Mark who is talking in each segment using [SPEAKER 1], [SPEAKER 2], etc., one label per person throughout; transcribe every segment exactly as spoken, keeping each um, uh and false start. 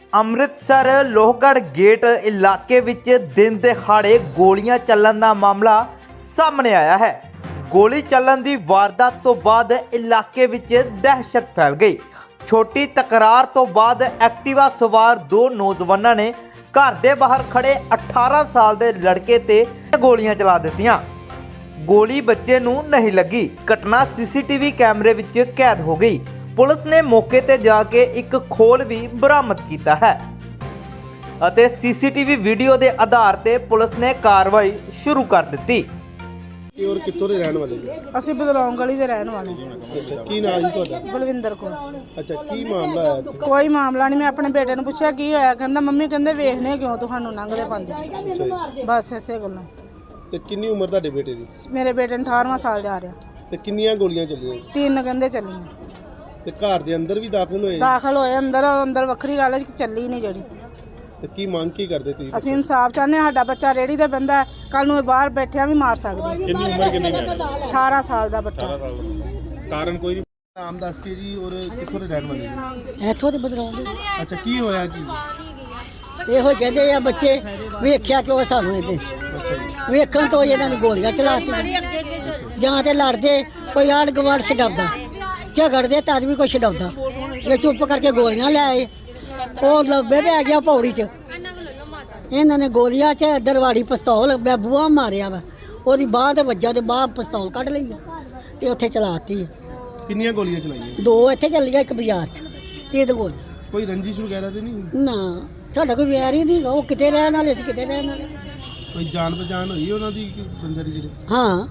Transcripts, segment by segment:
[SPEAKER 1] Amritsar Lohgarh gate ਇਲਾਕੇ ਵਿੱਚ ਦਿਨ ਦਿਹਾੜੇ ਗੋਲੀਆਂ ਚੱਲਣ ਦਾ ਮਾਮਲਾ ਸਾਹਮਣੇ ਆਇਆ ਹੈ। ਗੋਲੀ ਚੱਲਣ ਦੀ ਵਾਰਦਾਤ ਤੋਂ ਬਾਅਦ ਇਲਾਕੇ ਵਿੱਚ ਦਹਿਸ਼ਤ ਫੈਲ ਗਈ। ਛੋਟੀ ਤਕਰਾਰ ਤੋਂ ਬਾਅਦ ਐਕਟਿਵਾ ਸਵਾਰ ਦੋ ਨੌਜਵਾਨਾਂ ਨੇ ਘਰ ਦੇ ਬਾਹਰ ਖੜੇ ਅਠਾਰਾਂ ਸਾਲ ਦੇ ਲੜਕੇ ਤੇ ਗੋਲੀਆਂ ਚਲਾ ਦਿੱਤੀਆਂ। ਗੋਲੀ ਬੱਚੇ ਨੂੰ ਨਹੀਂ ਲੱਗੀ। ਘਟਨਾ ਸੀਸੀਟੀਵੀ ਕੈਮਰੇ ਵਿੱਚ ਕੈਦ ਹੋ ਗਈ। ਪੁਲਿਸ ਨੇ ਮੌਕੇ ਤੇ ਜਾ ਕੇ ਇੱਕ ਖੋਲ ਵੀ ਬਰਾਮਦ ਕੀਤਾ ਹੈ ਅਤੇ ਸੀਸੀਟੀਵੀ ਵੀਡੀਓ ਦੇ ਆਧਾਰ ਤੇ ਪੁਲਿਸ ਨੇ ਕਾਰਵਾਈ ਸ਼ੁਰੂ ਕਰ ਦਿੱਤੀ।
[SPEAKER 2] और कितों दे रहने वाले जी?
[SPEAKER 3] ਅਸੀਂ ਬਦਲੌਂ ਗਲੀ ਦੇ ਰਹਿਣ ਵਾਲੇ
[SPEAKER 2] अच्छा की नाम जी ਤੁਹਾਡਾ?
[SPEAKER 3] ਬਲਵਿੰਦਰ ਕੌਰ।
[SPEAKER 2] अच्छा की मामला है ਇੱਥੇ?
[SPEAKER 3] ਕੋਈ ਮਾਮਲਾ ਨਹੀਂ। ਮੈਂ ਆਪਣੇ ਬੇਟੇ ਨੂੰ ਪੁੱਛਿਆ ਕੀ ਹੋਇਆ, ਕਹਿੰਦਾ ਮੰਮੀ ਕਹਿੰਦੇ ਵੇਖਨੇ ਕਿਉਂ ਤੁਹਾਨੂੰ ਲੰਘਦੇ ਪਾਉਂਦੇ।
[SPEAKER 2] ਅੱਛਾ ਜੀ।
[SPEAKER 3] ਬਸ ਐਸੇ ਗੱਲਾਂ।
[SPEAKER 2] ਤੇ ਕਿੰਨੀ ਉਮਰ ਤੁਹਾਡੇ ਬੇਟੇ ਦੀ?
[SPEAKER 3] ਮੇਰੇ ਬੇਟੇ ਨੂੰ ਅਠਾਰਵਾਂ ਸਾਲ ਜਾ ਰਿਹਾ।
[SPEAKER 2] ਤੇ ਕਿੰਨੀਆਂ ਗੋਲੀਆਂ ਚੱਲੀਆਂ?
[SPEAKER 3] ਤਿੰਨ ਕਹਿੰਦੇ ਚੱਲੀਆਂ।
[SPEAKER 2] ਤੇ ਘਰ ਦੇ ਅੰਦਰ ਵੀ ਦਾਖਲ ਹੋਏ?
[SPEAKER 3] ਦਾਖਲ ਹੋਏ ਅੰਦਰ। ਅੰਦਰ ਵੱਖਰੀ ਗੱਲ ਹੈ ਕਿ ਚੱਲੀ ਨਹੀਂ ਜਿਹੜੀ।
[SPEAKER 2] ਤੇ ਕੀ ਮੰਗ ਕੀ ਕਰਦੇ ਤੁਸੀਂ?
[SPEAKER 3] ਅਸੀਂ ਇਨਸਾਫ ਚਾਹੁੰਦੇ ਹਾਂ। ਸਾਡਾ ਬੱਚਾ ਰੇੜੀ ਤੇ ਬੰਦਾ ਕੱਲ ਨੂੰ ਇਹ ਬਾਹਰ ਬੈਠਿਆ ਵੀ ਮਾਰ ਸਕਦਾ।
[SPEAKER 2] ਕਿੰਨੀ ਉਮਰ ਕਿੰਨੀ ਹੈ?
[SPEAKER 3] ਅਠਾਰਾਂ ਸਾਲ ਦਾ ਬੱਚਾ।
[SPEAKER 2] ਕਾਰਨ ਕੋਈ ਨਹੀਂ। ਨਾਮ ਦੱਸ ਕੇ ਜੀ। ਔਰ ਕਿੱਥੋਂ ਦੇ ਰਹਿਣ ਵਾਲੇ ਜੀ?
[SPEAKER 4] ਇੱਥੋਂ ਦੇ ਬਦਲਾਉਂ ਦੇ
[SPEAKER 2] ਅੱਛਾ ਕੀ ਹੋਇਆ ਕੀ?
[SPEAKER 4] ਇਹੋ ਕਹਿੰਦੇ ਆ ਬੱਚੇ ਵੇਖਿਆ ਕਿਉਂ ਸਾਨੂੰ ਇਹਦੇ
[SPEAKER 2] ਅੱਛਾ ਜੀ।
[SPEAKER 4] ਵੇਖਣ ਤੋਂ ਹੀ ਇਹਨਾਂ ਨੇ ਗੋਲੀਆਂ ਚਲਾਤੀਆਂ। ਜਾਂ ਤੇ ਲੜਦੇ ਕੋਈ ਆੜ ਗਵਾੜ ਛਡਾਉਂਦਾ, ਝਗੜਦੇ ਤਦ ਵੀ ਕੋਈ ਛਡਾਉਂਦਾ। ਇਹ ਚੁੱਪ ਕਰਕੇ ਗੋਲੀਆਂ ਲੈ ਆਏ। ਉਹ ਲੱਭੇ ਪੈ ਗਿਆ ਪੌੜੀ 'ਚ। ਇਹਨਾਂ ਨੇ ਗੋਲੀਆਂ 'ਚ ਦਰਵਾੜੀ ਪਿਸਤੌਲ ਬੂਹਾ ਮਾਰਿਆ ਵਾ। ਉਹਦੀ ਬਾਂਹ ਤੇ ਵੱਜਾ ਤੇ ਬਾਂਹ ਪਿਸਤੌਲ ਕੱਢ ਲਈ ਆ ਤੇ ਉੱਥੇ ਚਲਾਤੀ ਆ।
[SPEAKER 2] ਕਿੰਨੀਆਂ ਗੋਲੀਆਂ ਚਲਾਈਆਂ?
[SPEAKER 4] ਦੋ ਇੱਥੇ ਚੱਲੀਆਂ, ਇੱਕ ਬਾਜ਼ਾਰ 'ਚ। ਤਿੰਨ ਗੋਲੀਆਂ।
[SPEAKER 2] ਕੋਈ ਰੰਜਿਸ਼ ਵਗੈਰਾ ਤੇ ਨਹੀਂ?
[SPEAKER 4] ਨਾ ਸਾਡਾ ਕੋਈ ਵੈਰ ਹੀ ਨਹੀਂ। ਉਹ ਕਿਤੇ ਰਹਿਣ ਵਾਲੇ ਸੀ, ਕਿਤੇ ਰਹਿਣ ਵਾਲੇ।
[SPEAKER 2] ਕੋਈ ਜਾਣ ਪਛਾਣ ਹੋਈ ਉਹਨਾਂ ਦੀ ਕਿ ਬੰਦੇ ਦੀ ਜਿਹੜੀ?
[SPEAKER 4] ਹਾਂ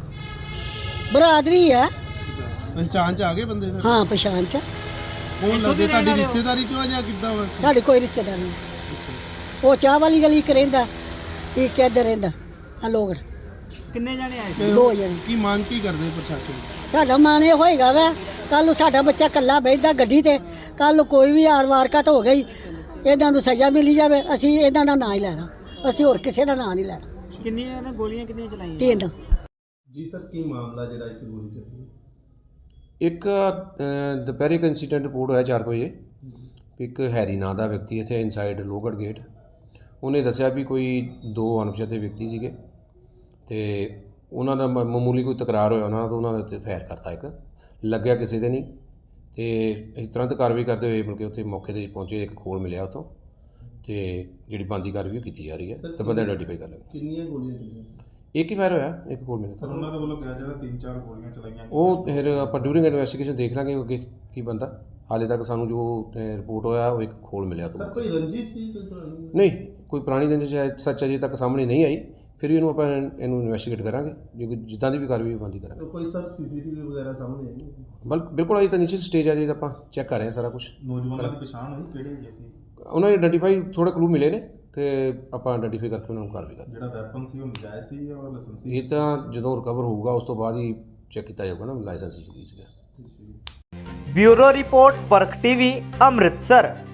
[SPEAKER 4] ਬਰਾਦਰੀ ਹੈ।
[SPEAKER 2] ਪਛਾਣ ਚ ਆ ਗਏ ਬੰਦੇ ਦਾ?
[SPEAKER 4] ਹਾਂ ਪਛਾਣ ਚ।
[SPEAKER 2] ਕੌਣ ਲੱਗਦੇ? ਤੁਹਾਡੀ ਰਿਸ਼ਤੇਦਾਰੀ ਚੋਂ ਆ ਜਾਂ ਕਿੱਦਾਂ ਵਾ?
[SPEAKER 4] ਸਾਡੀ ਕੋਈ ਰਿਸ਼ਤੇਦਾਰ ਨਹੀਂ। ਉਹ ਚਾਹ ਵਾਲੀ ਗਲੀ ਇੱਕ ਰਹਿੰਦਾ, ਇੱਕ ਇੱਧਰ ਰਹਿੰਦਾ। ਆ ਲੋਕ
[SPEAKER 2] ਕਿੰਨੇ ਜਾਣੇ ਆਏ?
[SPEAKER 4] ਦੋ ਜਣੇ।
[SPEAKER 2] ਕੀ ਮੰਗ ਕੀ ਕਰਦੇ ਪ੍ਰਸ਼ਾਸਨ?
[SPEAKER 4] ਸਾਡਾ ਮਨ ਇਹ ਹੋਏਗਾ ਵਾ ਕੱਲ ਨੂੰ ਸਾਡਾ ਬੱਚਾ ਇਕੱਲਾ ਬੈਠਦਾ ਗੱਡੀ ਤੇ, ਕੱਲ ਨੂੰ ਕੋਈ ਵੀ ਆਰ ਵਾਰਕਤ ਹੋ ਗਈ ਇਹਨਾਂ ਨੂੰ ਸਜ਼ਾ ਮਿਲੀ ਜਾਵੇ। ਅਸੀਂ ਇਹਨਾਂ ਦਾ ਨਾਂ ਹੀ ਲੈਣਾ, ਅਸੀਂ ਹੋਰ ਕਿਸੇ ਦਾ ਨਾਂ ਨਹੀਂ ਲੈਣਾ।
[SPEAKER 3] ਕਿੰਨੀਆਂ ਗੋਲੀਆਂ ਕਿੰਨੀਆਂ ਚਲਾਈਆਂ?
[SPEAKER 4] ਤਿੰਨ।
[SPEAKER 2] ਜੀ ਸਰ ਕੀ ਮਾਮਲਾ ਜਿਹੜਾ ਇੱਕ ਗੋਲੀ ਚੱਲੀ?
[SPEAKER 5] ਇੱਕ ਅ, ਦੁਪਹਿਰੇ ਇੱਕ ਇੰਸੀਡੈਂਟ ਰਿਪੋਰਟ ਹੋਇਆ ਚਾਰ ਵਜੇ। ਇੱਕ ਹੈਰੀ ਨਾਂ ਦਾ ਵਿਅਕਤੀ ਇੱਥੇ ਇਨਸਾਈਡ ਲੋਹਗੜ੍ਹ ਗੇਟ, ਉਹਨੇ ਦੱਸਿਆ ਵੀ ਕੋਈ ਦੋ ਅਣਪਛਾਤੇ ਵਿਅਕਤੀ ਸੀਗੇ ਅਤੇ ਉਹਨਾਂ ਦਾ ਮ- ਮਾਮੂਲੀ ਕੋਈ ਤਕਰਾਰ ਹੋਇਆ ਉਹਨਾਂ ਦਾ, ਤਾਂ ਉਹਨਾਂ ਦੇ ਉੱਤੇ ਫਾਇਰ ਕਰਤਾ। ਇੱਕ ਲੱਗਿਆ ਕਿਸੇ ਦੇ ਨਹੀਂ ਅਤੇ ਅਸੀਂ ਤੁਰੰਤ ਕਾਰਵਾਈ ਕਰਦੇ ਹੋਏ ਮਤਲਬ ਕਿ ਉੱਥੇ ਮੌਕੇ 'ਤੇ ਪਹੁੰਚੇ। ਇੱਕ ਖੋਲ ਮਿਲਿਆ ਉੱਥੋਂ ਅਤੇ ਜਿਹੜੀ ਬਣਦੀ ਕਾਰਵਾਈ ਉਹ ਕੀਤੀ ਜਾ ਰਹੀ ਹੈ ਅਤੇ ਬੰਦੇ ਆਈਡੈਂਟੀਫਾਈ ਕਰ ਲਏ।
[SPEAKER 2] ਕਿੰਨੀਆਂ ਗੋਲੀਆਂ ਚੱਲੀਆਂ?
[SPEAKER 5] ਇੱਕ ਹੀ ਫਾਇਰ ਹੋਇਆ, ਇੱਕ ਖੋਲ ਮਿਲਿਆ।
[SPEAKER 6] ਸਰ ਉਹਨਾਂ ਦੇ ਵੱਲੋਂ ਕਿਹਾ ਜਾਂਦਾ ਤਿੰਨ ਚਾਰ ਗੋਲੀਆਂ ਚਲਾਈਆਂ।
[SPEAKER 5] ਉਹ ਫਿਰ ਆਪਾਂ ਡਿਊਰਿੰਗ ਇਨਵੈਸਟੀਗੇਸ਼ਨ ਦੇਖ ਲਾਂਗੇ ਅੱਗੇ ਕੀ ਬੰਦਾ। ਹਾਲੇ ਤੱਕ ਸਾਨੂੰ ਜੋ ਰਿਪੋਰਟ ਹੋਇਆ ਉਹ ਇੱਕ ਖੋਲ ਮਿਲਿਆ ਤੋਂ।
[SPEAKER 2] ਸਰ ਕੋਈ ਰੰਜਿਸ਼ ਸੀ ਕੋਈ ਪੁਰਾਣੀ?
[SPEAKER 5] ਨਹੀਂ, ਕੋਈ ਪੁਰਾਣੀ ਰੰਜਿਸ਼ ਹੈ ਸੱਚ ਅਜੇ ਤੱਕ ਸਾਹਮਣੇ ਨਹੀਂ ਆਈ। ਫਿਰ ਵੀ ਇਹਨੂੰ ਆਪਾਂ ਇਹਨੂੰ ਇਨਵੈਸਟੀਗੇਟ ਕਰਾਂਗੇ, ਜੇ ਕੋਈ ਜਿੱਦਾਂ ਦੀ ਵੀ ਕਾਰਵਾਈ ਬਣਦੀ ਕਰਾਂਗੇ।
[SPEAKER 2] ਕੋਈ ਸਰ ਸੀਸੀਟੀਵੀ ਵਗੈਰਾ ਸਾਹਮਣੇ ਆਈ?
[SPEAKER 5] ਬਲ ਬਿਲਕੁਲ ਅਜੇ ਤਾਂ ਨੀਚੇ ਸਟੇਜ ਆ, ਜੇ ਆਪਾਂ ਚੈੱਕ ਕਰ ਰਹੇ ਹਾਂ ਸਾਰਾ ਕੁਝ।
[SPEAKER 6] ਨੌਜਵਾਨਾਂ ਦੀ ਪਛਾਣ ਹੋਈ ਕਿਹੜੇ ਹੈਗੇ ਸੀ?
[SPEAKER 5] ਉਹਨਾਂ ਨੇ ਆਈਡੈਂਟੀਫਾਈ ਥੋੜ੍ਹੇ ਕਲੂ ਮਿਲੇ ਨੇ ਅਤੇ ਆਪਾਂ ਆਈਡੈਂਟੀਫਾਈ ਕਰਕੇ ਉਹਨਾਂ ਨੂੰ ਕਾਰਵਾਈ ਕਰਾਂਗੇ।
[SPEAKER 6] ਜਿਹੜਾ ਵੈਪਨ ਸੀ ਉਹ ਨਜਾਇਜ਼ ਸੀ ਜਾਂ ਲਾਇਸੈਂਸੀ?
[SPEAKER 5] ਇਹ ਤਾਂ ਜਦੋਂ ਰਿਕਵਰ ਹੋਊਗਾ ਉਸ ਤੋਂ ਬਾਅਦ ਹੀ ਚੈੱਕ ਕੀਤਾ ਜਾਊਗਾ ਨਾ ਲਾਇਸੈਂਸ ਸੀਗਾ।
[SPEAKER 1] Bureau report, Parakh TV, Amritsar.